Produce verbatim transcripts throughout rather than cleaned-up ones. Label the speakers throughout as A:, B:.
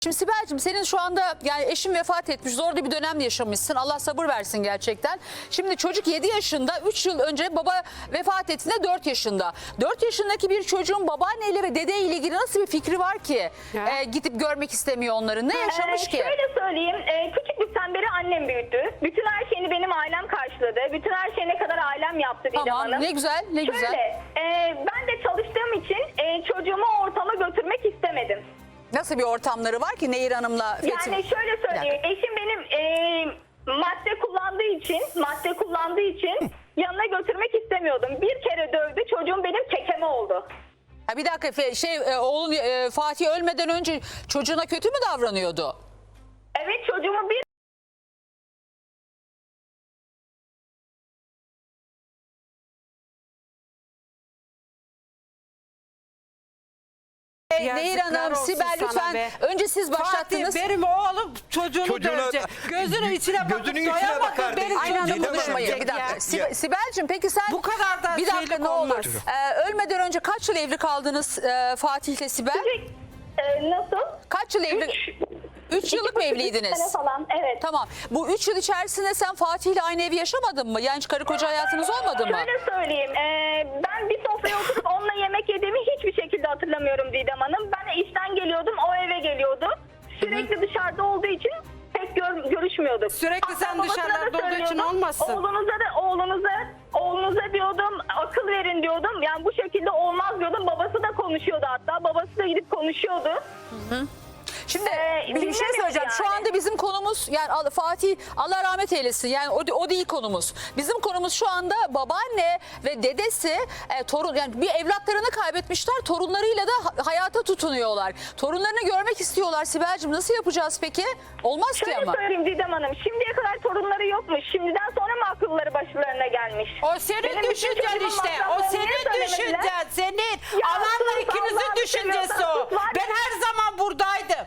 A: Şimdi Sibel'cim senin şu anda yani eşin vefat etmiş, zor bir dönem yaşamışsın. Allah sabır versin gerçekten. Şimdi çocuk yedi yaşında, üç yıl önce baba vefat ettiğinde dört yaşında. dört yaşındaki bir çocuğun babaanneyle ve dedeyle ilgili nasıl bir fikri var ki e, gidip görmek istemiyor onları? Ne yaşamış
B: ee,
A: ki?
B: Şöyle söyleyeyim, e, küçüklükten beri annem büyüttü. Bütün her şeyini benim ailem karşıladı. Bütün her şeyi ne kadar ailem yaptı Didem
A: Tamam,
B: Hanım.
A: ne güzel, ne
B: Şöyle,
A: güzel.
B: e, ben de çalıştığım için e, çocuğumu o ortama götürmek istemedim.
A: Nasıl bir ortamları var ki Nehir Hanım'la Fethi?
B: Yani şöyle söyleyeyim, eşim benim e, madde kullandığı için, madde kullandığı için yanına götürmek istemiyordum. Bir kere dövdü, çocuğum benim kekeme oldu.
A: Ha, bir dakika Fe- şey e, oğlun e, Fatih ölmeden önce çocuğuna kötü mü davranıyordu?
B: Evet, çocuğumu bir
A: Nehir Hanım,
C: Yazıklar olsun
A: Sibel
C: sana
A: lütfen
C: be.
A: önce siz başlattınız.
C: Fatih benim oğlum çocuğunu
D: Çocuğuna-
C: dövecek. Gözünün içine bakıp
D: Gözünün içine
C: doyamadı
D: bakar
C: benim
D: değil.
A: Aynı anda
C: çocuğumu
A: konuşmayın.
C: dövecek
A: Bir dakika.
C: ya.
A: Sib- Sibel'cim peki sen
C: Bu kadar da
A: bir dakika
C: şeylik
A: ne olur.
C: olmaz.
A: Ee, ölmeden önce kaç yıl evli kaldınız e, Fatih'le Sibel?
B: e, nasıl?
A: Kaç yıl evli?
B: Üç,
A: Üç yıllık mı
B: iki, üç sene
A: evliydiniz?
B: falan, evet.
A: Tamam. Bu üç yıl içerisinde sen Fatih'le aynı evi yaşamadın mı? Yani hiç karı koca hayatınız olmadı mı?
B: Şöyle söyleyeyim, e, ben bir sofraya oturup onunla yemek yediğimi hiçbir şekilde hatırlamıyorum Didem Hanım. Ben işten geliyordum, o eve geliyordu. Sürekli dışarıda olduğu için pek gör, görüşmüyorduk.
C: Sürekli sen
B: babasına da
C: dışarılarda olduğu için
B: söylüyordum,
C: olmasın.
B: Oğlunuza da oğlunuza oğlunuza diyordum, akıl verin diyordum. Yani bu şekilde olmaz diyordum. Babası da konuşuyordu hatta. Babası da gidip konuşuyordu.
A: Şimdi
B: Ee,
A: bir şey
B: dinlemiyor
A: söyleyeceğim. Şu
B: yani.
A: anda bizim konumuz yani Al- Fatih Allah rahmet eylesin. Yani o, o değil konumuz. Bizim konumuz şu anda babaanne ve dedesi e, torun yani bir evlatlarını kaybetmişler. Torunlarıyla da ha- hayata tutunuyorlar. Torunlarını görmek istiyorlar. Sibel'cim nasıl yapacağız peki? Olmaz ki
B: Şöyle
A: ama.
B: söyleyeyim Didem Hanım. Şimdiye kadar torunları yokmuş. Şimdiden sonra mı akılları başlarına gelmiş?
C: O senin
B: Benim bütün
C: düşüncen
B: çocuğumun
C: işte. O
B: masraflarını
C: senin
B: niye söylemediler?
C: düşüncen. Senin.
B: Ya
C: Ananla
B: sus,
C: ikinizin
B: Allah'ını
C: düşüncesi
B: seviyorsan
C: o.
B: sus, var
C: Ben
B: ya.
C: her zaman buradaydım.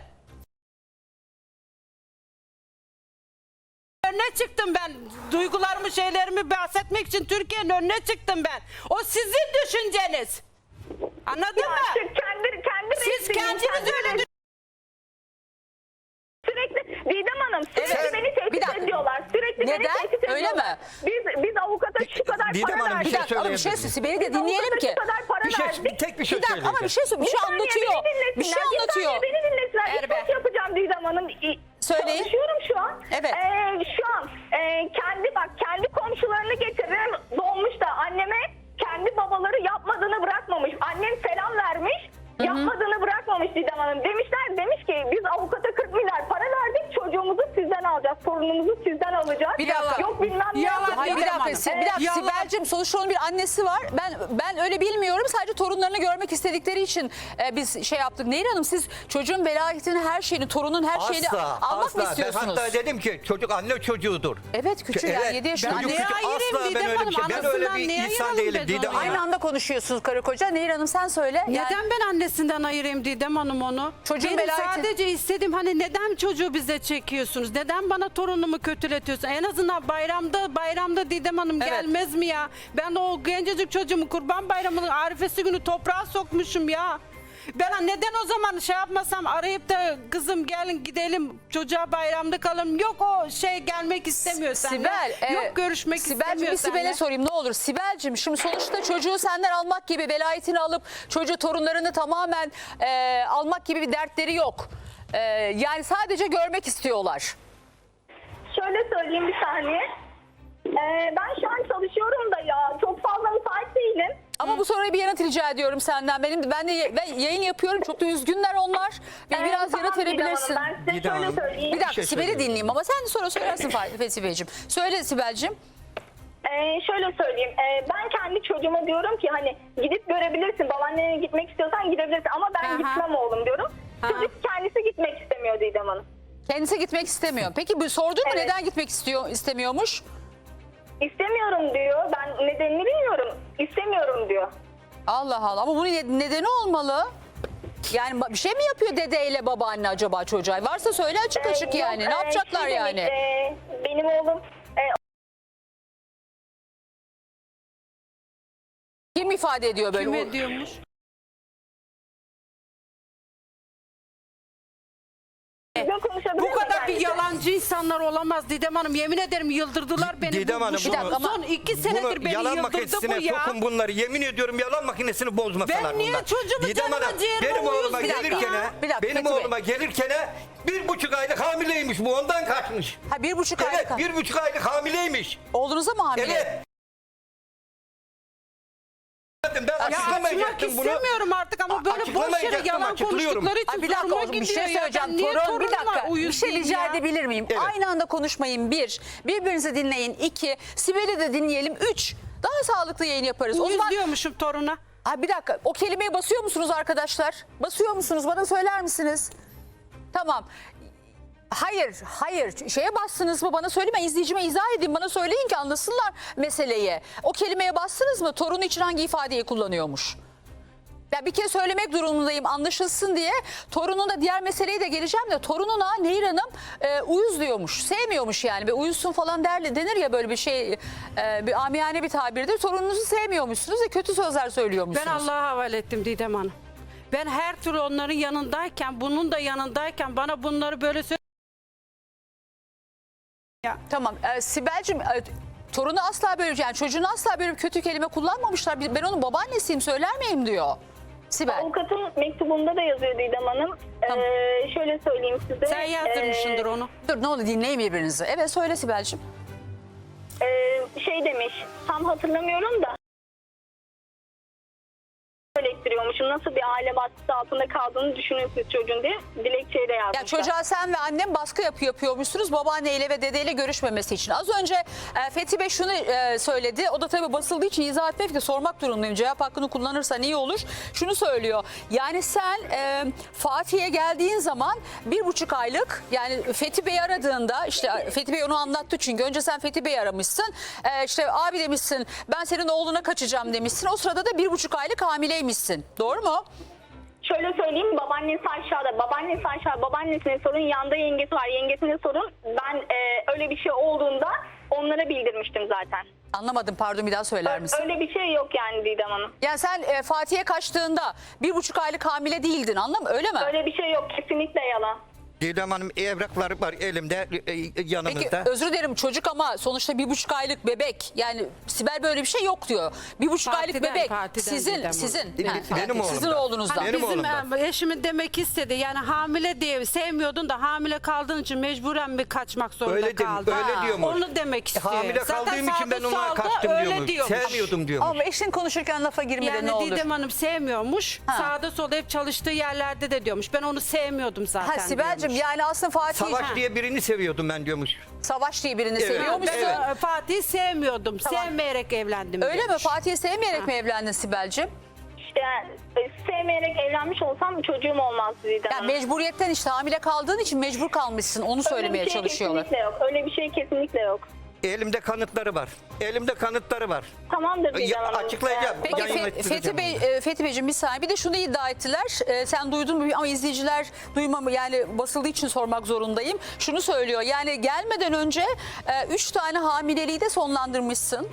C: Önüne çıktım ben. Duygularımı, şeylerimi bahsetmek için Türkiye'nin önüne çıktım ben. O sizin düşünceniz. Anladın
B: Ya
C: mı?
B: işte kendi, kendi
C: Siz
B: resmini,
C: kendiniz
B: kendi
C: öyle
B: resmini- Sürekli Didem Hanım sürekli
A: Evet.
B: beni
A: Bir
B: tehdit
A: dakika.
B: ediyorlar. Sürekli
A: Neden?
B: beni tehdit
A: Öyle
B: ediyorlar.
A: mi?
B: Biz, biz avukata şu kadar
D: Didem
B: para
D: Hanım, bir
B: verdik.
A: Bir dakika ama bir şey
D: söyleyebilir
A: Sibel'i de
B: Biz
A: dinleyelim
B: avukata
A: ki.
B: şu kadar para
D: Bir şey,
B: verdik.
D: tek bir şey
A: Bir dakika ama bir şey söyle- bir şey
B: saniye
A: anlatıyor.
B: beni
A: Bir şey
B: dinlesinler,
A: anlatıyor.
B: saniye beni dinlesinler.
C: Ver
B: İş
C: be.
B: başı yapacağım Didem Hanım. İ-
A: Söyleyin.
B: Çalışıyorum şu an.
A: Evet.
B: Ee, şu an e, kendi bak kendi komşularını getiririm dolmuş da anneme kendi babaları yapmadığını bırakmamış. Annem selam vermiş. Yapmadığını bırakmamış Didem Hanım. Demişler demiş ki biz avukata kırk milyar para verdik. Çocuğumuzu sizden alacağız. Torunumuzu sizden alacağız.
A: Bir dakika.
B: Yok bilmem ne.
C: Yalan.
B: yapacağız.
A: Hayır bir
C: Didem
A: dakika,
C: Hanım.
A: Si- bir dakika
C: Yalan.
A: Sibel'cim sonuçta onun bir annesi var. Ben ben öyle bilmiyorum. Sadece torunlarını görmek istedikleri için e, biz şey yaptık. Nehir Hanım siz çocuğun velayetini, her şeyini, torunun her şeyini
D: Asla,
A: almak
D: asla.
A: mı
D: Ben
A: istiyorsunuz?
D: hatta dedim ki çocuk anne çocuğudur.
A: Evet küçük yani
D: Evet,
A: yedi yaşında.
D: çocuk
A: Anne-
C: Neye
D: küçük.
C: ayırayım
D: Asla ben
C: Didem
D: öyle bir
C: Hanım?
D: şey. Ben öyle
C: Anasından
D: bir
C: neye
D: insan
C: ayıralım
D: değilim
C: biz
D: Didem
C: onu?
D: Hanım.
A: Aynı anda konuşuyorsunuz karı koca. Nehir Hanım sen söyle. Yani
C: Neden ben annesinden ayırayım Didem Hanım onu?
A: Çocuğun
C: Benim
A: velayeti-
C: sadece istediğim hani neden çocuğu bize çekiyorsunuz? Neden bana torunumu kötületiyorsun? En azından bayramda bayramda Didem Hanım
A: Evet.
C: gelmez mi ya? Ben o gencecik çocuğumu Kurban Bayramı'nın arifesi günü toprağa sokmuşum ya. Ben neden o zaman şey yapmasam arayıp da kızım gelin gidelim çocuğa bayramda kalalım. Yok o şey gelmek istemiyor seninle.
A: Sibel, e,
C: Yok görüşmek
A: Sibel'cim
C: istemiyor
A: bir Sibel'e
C: seninle.
A: sorayım ne olur. Sibel'cim şimdi sonuçta çocuğu senden almak gibi, velayetini alıp çocuğu torunlarını tamamen e, almak gibi bir dertleri yok. E, yani sadece görmek istiyorlar.
B: Şöyle söyleyeyim bir saniye. Ee, ben şu an çalışıyorum da ya. Çok fazla müsait değilim.
A: Ama bu soruya bir yanıt rica ediyorum senden. Benim ben de ye- ben yayın yapıyorum. Çok da üzgünler onlar. Bir,
B: Ee,
A: biraz
B: tamam
A: yanıt
B: Didem Hanım,
A: verebilirsin.
B: Ben size
D: Didem
B: şöyle
D: Hanım.
B: söyleyeyim.
A: Bir dakika
D: şey
A: Sibel'i
D: söyleyeyim.
A: dinleyeyim ama sen sonra söylersin Fethi Beyciğim. Söyle Sibel'cim.
B: Ee, şöyle söyleyeyim. Ee, ben kendi çocuğuma diyorum ki hani gidip görebilirsin. Babaannene gitmek istiyorsan gidebilirsin. Ama ben
C: Aha.
B: gitmem oğlum diyorum.
C: Aha.
B: Çocuk kendisi gitmek istemiyor Didem Hanım.
A: Kendisi gitmek istemiyor. Peki bu sordun mu
B: Evet.
A: neden gitmek istiyor istemiyormuş?
B: İstemiyorum diyor. Ben nedenini bilmiyorum. İstemiyorum diyor.
A: Allah Allah ama bunun ne- nedeni olmalı. Yani ba- bir şey mi yapıyor dedeyle babaanne acaba çocuğa? Varsa söyle açık
B: Ee,
A: açık
B: yok,
A: yani. Ne
B: e,
A: yapacaklar
B: şey
A: yani?
B: demiş, e, benim oğlum e,
A: Kim ifade ediyor böyle?
C: Kim ediyormuş?
B: Düzgün konuşabilir
C: Bu
B: miyim
C: kadar bir
B: kendisi?
C: yalancı insanlar olamaz Didem Hanım. Yemin ederim yıldırdılar beni.
D: Didem
C: Bu-
D: Hanım,
C: bu-
D: Bir dakika
A: ama
C: son iki senedir
D: Bunu
C: beni
D: yalan
C: yıldırdı
D: makinesine
C: bu ya.
D: sokun bunları. Yemin ediyorum yalan makinesini bozmasalar
C: Ben niye
D: bunlar.
C: çocuğumu
D: Didem
C: canıma
D: Hanım,
C: ciğerime
D: benim
C: uyuz
D: oğluma
C: bir dakika
D: gelirken
C: ya.
A: Bir dakika,
D: benim
A: Fethi Bey.
D: oğluma gelirken bir buçuk aylık hamileymiş bu, ondan kaçmış.
A: Ha bir buçuk
D: Evet,
A: aylık.
D: bir buçuk aylık hamileymiş.
A: Oğlunuza mı hamile?
D: Evet. Ben
C: Ya açmak
D: açıklamayacaktım bunu.
C: istemiyorum artık ama böyle boş yere
D: Açıklamayacaktım,
C: yalan
D: açıklıyorum.
C: konuştukları için
A: Ay bir dakika
C: zoruma
A: oğlum, bir
C: gidiyor
A: şey
C: ya.
A: söyleyeceğim.
C: Ben niye
A: Torun bir
C: torunuma
A: dakika bir
C: uyuz
A: şey
C: diyeyim
A: rica
C: ya?
A: edebilir miyim?
D: Evet.
A: Aynı anda konuşmayın bir. Birbirinizi dinleyin iki. Sibel'i de dinleyelim üç. Daha sağlıklı yayın yaparız. O
C: Uyuz
A: zaman
C: diyormuşum toruna.
A: ha, bir dakika o kelimeyi basıyor musunuz arkadaşlar? Basıyor musunuz? Bana söyler misiniz? Tamam. Hayır, hayır. Şeye bastınız mı? Bana söylemeyin. İzleyicime izah edin. Bana söyleyin ki anlasınlar meseleyi. O kelimeye bastınız mı? Torunu için hangi ifadeyi kullanıyormuş? Ya bir kez söylemek durumundayım anlaşılsın diye. Torunun da diğer meseleye de geleceğim de torununa Nehir Hanım e, uyuz diyormuş. Sevmiyormuş yani. Ve uyuzsun falan der, denir ya böyle bir şey. E, bir amiyane bir tabirdir. Torununuzu sevmiyormuşsunuz ve kötü sözler söylüyormuşsunuz.
C: Ben Allah'a havale ettim Didem Hanım. Ben her türlü onların yanındayken, bunun da yanındayken bana bunları böyle söyle.
A: Tamam. E, Sibel'cim e, torunu asla böyle yani çocuğunu asla böyle bir kötü kelime kullanmamışlar. Ben onun babaannesiyim söyler miyim diyor. Sibel.
B: Avukatın mektubunda da yazıyor Didem Hanım.
A: Tamam.
B: Ee, şöyle söyleyeyim size.
C: Sen yazdırmışsındır
B: Ee,
C: onu.
A: Dur ne olur dinleyin birbirinizi. Evet söyle Sibel'cim.
B: Ee, şey demiş, tam hatırlamıyorum da eleştiriyormuşum. Nasıl bir aile baskısı altında kaldığını düşünüyorsunuz çocuğun diye dilekçeyi de yazmışlar.
A: Ya çocuğa sen ve annem baskı yapıyor, yapıyormuşsunuz babaanneyle ve dedeyle görüşmemesi için. Az önce e, Fethi Bey şunu e, söyledi. O da tabii basıldığı için izah etmek de sormak durumundayım. Cevap hakkını kullanırsan iyi olur. Şunu söylüyor. Yani sen e, Fatih'e geldiğin zaman bir buçuk aylık yani Fethi Bey'i aradığında işte Fethi Bey onu anlattı çünkü. Önce sen Fethi Bey'i aramışsın. E, işte abi demişsin ben senin oğluna kaçacağım demişsin. O sırada da bir buçuk aylık hamileymişsin. Doğru mu?
B: Şöyle söyleyeyim, babaannesi aşağıda, babaannesi aşağı, babaannesine sorun, yanda yengesi var, yengesine sorun. Ben e, öyle bir şey olduğunda onlara bildirmiştim zaten.
A: Anlamadım pardon bir daha söyler misin?
B: Öyle bir şey yok yani Didem Hanım.
A: Yani sen e, Fatih'e kaçtığında bir buçuk aylık hamile değildin anladın mı? Öyle mi?
B: Öyle bir şey yok, kesinlikle yalan.
D: Didem Hanım evrakları var elimde, e, e, yanımızda.
A: Peki özür dilerim çocuk ama sonuçta bir buçuk aylık bebek. Yani Sibel böyle bir şey yok diyor. Bir buçuk aylık
C: Partiden,
A: bebek
C: partiden
A: sizin
C: Didem
A: sizin
C: Hanım.
A: ha,
D: Benim
A: ha, sizin
D: oğlumdan.
A: oğlunuzdan.
C: Hani
D: Benim
C: bizim
D: oğlumdan.
C: e, eşimin demek istedi yani hamile diye sevmiyordun da hamile kaldığın için mecburen mi kaçmak zorunda
D: Öyle dem-
C: kaldın?
D: öyle diyormuş.
C: Onu demek istiyor.
D: Hamile
C: Zaten
D: kaldığım için ben
C: sağda
D: ona
C: solda
D: kaçtım
C: öyle
D: diyormuş.
C: diyormuş.
D: Sevmiyordum diyormuş.
A: Ama eşin konuşurken lafa girme de
C: Yani
A: ne olur.
C: Didem Hanım sevmiyormuş.
A: Ha.
C: Sağda solda hep çalıştığı yerlerde de diyormuş. Ben onu sevmiyordum zaten
A: Ha Sibel'cim
C: diyormuş.
A: yani aslında Fatih
D: Savaş
A: Savaş,
D: diye birini seviyordum ben diyormuş.
A: diye birini
D: Evet.
A: seviyor
C: Ben
A: musun?
C: e, Fatih'i sevmiyordum.
A: Tamam.
C: Sevmeyerek evlendim
A: Öyle mi?
C: demiş.
A: Fatih'i sevmeyerek mi evlendin Sibel'cim?
B: Yani, e, sevmeyerek evlenmiş olsam çocuğum olmazdı Didem
A: Yani
B: Hanım.
A: mecburiyetten işte hamile kaldığın için mecbur kalmışsın. Onu söylemeye
B: Öyle bir şey
A: çalışıyorlar.
B: kesinlikle yok. Öyle bir şey kesinlikle yok.
D: Elimde kanıtları var. Elimde kanıtları var.
B: Tamamdır Didem
D: Ya,
B: Hanım.
D: açıklayacağım.
B: Ee,
A: Peki
D: Yayın
A: Fe-
D: ettireceğim
A: Fethi Bey, e, Fethi Beyciğim bir saniye. Bir de şunu iddia ettiler. E, sen duydun mu ama izleyiciler duymam yani basıldığı için sormak zorundayım. Şunu söylüyor. Yani gelmeden önce e, üç tane hamileliği de sonlandırmışsın.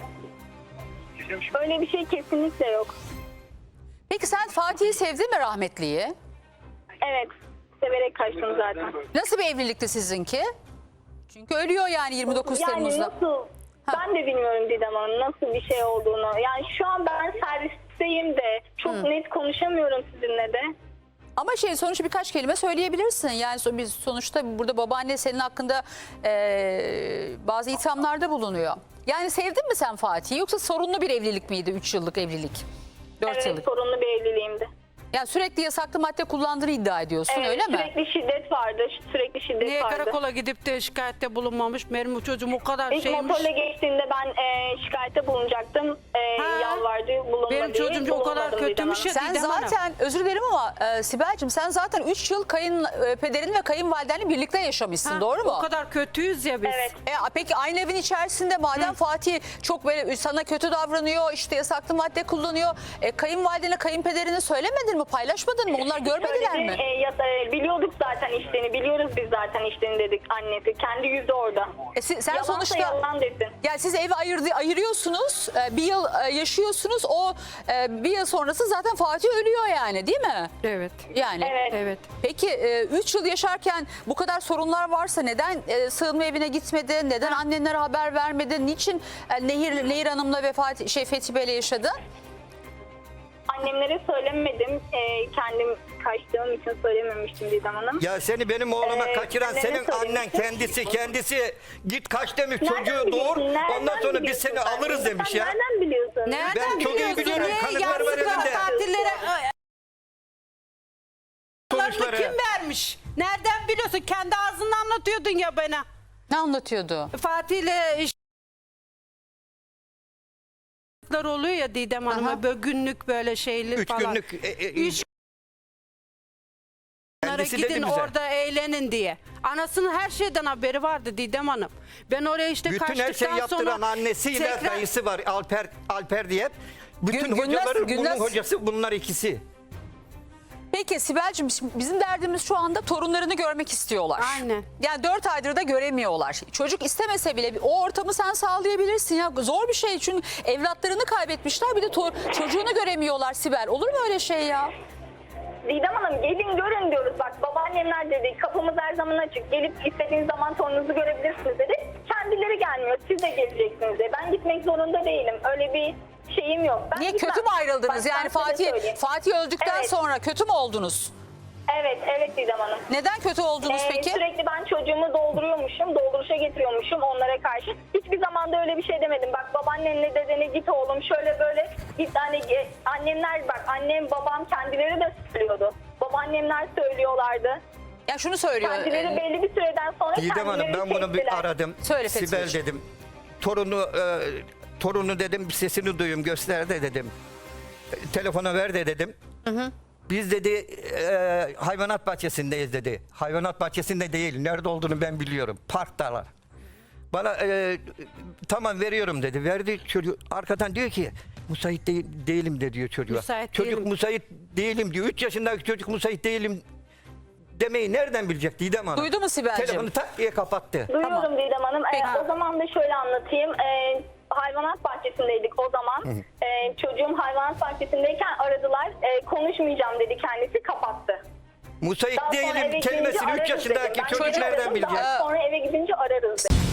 B: Öyle bir şey kesinlikle yok.
A: Peki sen Fatih'i sevdin mi rahmetliyi?
B: Evet. Severek kaçtım zaten.
A: Nasıl bir evlilikti sizinki? Çünkü ölüyor yani yirmi dokuz
B: Yani
A: Temmuz'da.
B: nasıl? Ben de bilmiyorum Didem Hanım nasıl bir şey olduğunu. Yani şu an ben servisteyim de çok net konuşamıyorum sizinle de.
A: Ama şey sonuçta birkaç kelime söyleyebilirsin. Yani so- biz sonuçta burada babaanne senin hakkında e, bazı ithamlarda bulunuyor. Yani sevdin mi sen Fatih'i yoksa sorunlu bir evlilik miydi? üç yıllık evlilik. dört
B: Evet,
A: yıllık.
B: sorunlu bir evliliğimdi.
A: Yani sürekli yasaklı madde kullandığını iddia ediyorsun
B: Evet,
A: öyle mi?
B: sürekli şiddet vardı. Sürekli şiddet
C: Niye
B: vardı.
C: karakola gidip de şikayette bulunmamış? Benim o çocuğum o kadar
B: İlk
C: şeymiş.
B: motorla geçtiğinde ben e, şikayette bulunacaktım. E,
C: Ha.
B: yalvardı, bulunmadı.
C: Benim çocuğum o kadar
B: bulunmadım
C: kötümüş
B: Didem
C: ya.
A: Sen
C: Didem Hanım.
A: zaten özür dilerim ama e, Sibel'cim sen zaten üç yıl kayınpederin ve kayınvalidenle birlikte yaşamışsın
C: Ha,
A: doğru mu?
C: O kadar kötüyüz ya biz.
B: Evet.
A: E, peki aynı evin içerisinde madem Fatih çok böyle sana kötü davranıyor işte yasaklı madde kullanıyor. E, kayınvalidene kayınpederine söylemedin mi mı? Paylaşmadın mı? Onlar görmediler
B: Söyledi,
A: mi?
B: e, ya, e, biliyorduk zaten işlerini. Biliyoruz biz zaten işlerini dedik annesi. Kendi yüzü orada.
A: E, si- sen
B: Yalansa
A: sonuçta
B: yalan desin.
A: yani siz evi ayırdı, ayırıyorsunuz. e, Bir yıl e, yaşıyorsunuz. O e, bir yıl sonrası zaten Fatih ölüyor yani, değil mi?
C: Evet.
A: Yani.
B: Evet.
C: Evet.
A: Peki üç yıl yaşarken bu kadar sorunlar varsa neden e, sığınma evine gitmedin? Neden annenlere haber vermedin? Niçin e, Nehir Nehir Hanım'la ve Fatih, şey Fethi Bey'le yaşadın?
B: Annemlere söylemedim. E, kendim kaçtığım için söylememiştim Didem Hanım.
D: Ya seni benim oğluma
B: Ee,
D: kaçıran
B: annene
D: senin annen
B: söylemiştim.
D: kendisi kendisi git kaç demiş
B: Nereden
D: çocuğu
B: biliyorsun?
D: doğur
B: Nereden
D: ondan sonra biz
B: biliyorsun
D: seni
B: sen?
D: alırız demiş
B: Sen
D: ya.
B: Nereden biliyorsun?
C: Nereden
D: Ben çok iyi
C: biliyorsun?
D: biliyorum,
C: Niye
D: kanıtlar var
C: yazlıklar,
D: elimde.
C: tatillere
D: Sonuçları.
C: kim vermiş? Nereden biliyorsun? Kendi ağzından anlatıyordun ya bana.
A: Ne anlatıyordu?
C: Fatih'le iş- oluyor ya Didem
A: Aha.
C: Hanım'a böyle günlük böyle şeyli
D: Üç
C: falan.
D: günlük e, e,
C: Üç günlere
D: kendisi dedi
C: gidin
D: bize.
C: orada eğlenin diye. Anasının her şeyden haberi vardı Didem Hanım. Ben oraya işte
D: Bütün
C: kaçtıktan
D: her şeyi yaptıran
C: sonra
D: annesiyle
C: tekrar-
D: dayısı var Alper Alper diye. Bütün
A: Gün- Günnaz-
D: hocaların
A: Günnaz-
D: bunun hocası bunlar ikisi.
A: Peki Sibel'cim, şimdi bizim derdimiz şu anda torunlarını görmek istiyorlar.
C: Aynen.
A: Yani dört aydır da göremiyorlar. Çocuk istemese bile o ortamı sen sağlayabilirsin ya. Zor bir şey çünkü evlatlarını kaybetmişler, bir de to- çocuğunu göremiyorlar Sibel. Olur mu öyle şey ya?
B: Didem Hanım gelin görün diyoruz. Bak babaannemler dedi kapımız her zaman açık. Gelip istediğiniz zaman torununuzu görebilirsiniz dedi. Kendileri gelmiyor. Siz de geleceksiniz dedi. Ben gitmek zorunda değilim. Öyle bir şeyim yok. Ben
A: Niye,
B: gitmem.
A: kötü mü ayrıldınız?
B: Bak, ben
A: Yani
B: size
A: Fatih
B: söyleyeyim.
A: Fatih öldükten
B: Evet.
A: sonra kötü mü oldunuz?
B: Evet, evet Didem Hanım.
A: Neden kötü oldunuz
B: Ee,
A: peki?
B: Sürekli ben çocuğumu dolduruyormuşum, dolduruşa getiriyormuşum onlara karşı. Hiçbir zaman da öyle bir şey demedim. Bak babaannenle dedene git oğlum şöyle böyle git hani ge- annemler bak annem babam kendileri de söylüyordu. Babaannemler söylüyorlardı.
A: Ya şunu söylüyor.
B: Kendileri
A: e,
B: belli bir süreden sonra
D: Didem Hanım
B: kendileri
D: ben bunu bir
B: çektiler.
D: aradım.
A: Söyle Fethi
D: Sibel
A: Beyciğim.
D: dedim. Torunu e, torunu dedim sesini duyayım göster de dedim. E, Telefona ver de dedim. Biz dedi e, hayvanat bahçesindeyiz dedi. Hayvanat bahçesinde değil. Nerede olduğunu ben biliyorum. Parktalar. Bana e, tamam veriyorum dedi. Verdi çocuk. Arkadan diyor ki müsait değil, değilim de diyor çocuğa.
C: Müsait
D: çocuk
C: değilim.
D: müsait değilim diyor. üç yaşındaki çocuk müsait değilim demeyi nereden bilecek Didem Hanım?
A: Duydu mu Sibel'cim?
D: Telefonu tak diye kapattı.
B: Duyuyorum
A: Tamam.
B: Didem Hanım. Ee,
A: Peki.
B: o zaman da şöyle anlatayım. Ee, hayvanat bahçesindeydik o zaman. Ee, çocuğum hayvanat bahçesindeyken aradılar. Ee, konuşmayacağım dedi kendisi kapattı.
D: Müsait
B: Daha sonra eve
D: değilim
B: gidince
D: kelimesini üç
B: ararız
D: yaşındaki
B: dedim. Ben
D: çocuk
B: çocuğu
D: nereden
B: aradım,
D: bilecek?
B: Daha sonra eve gidince ararız dedi.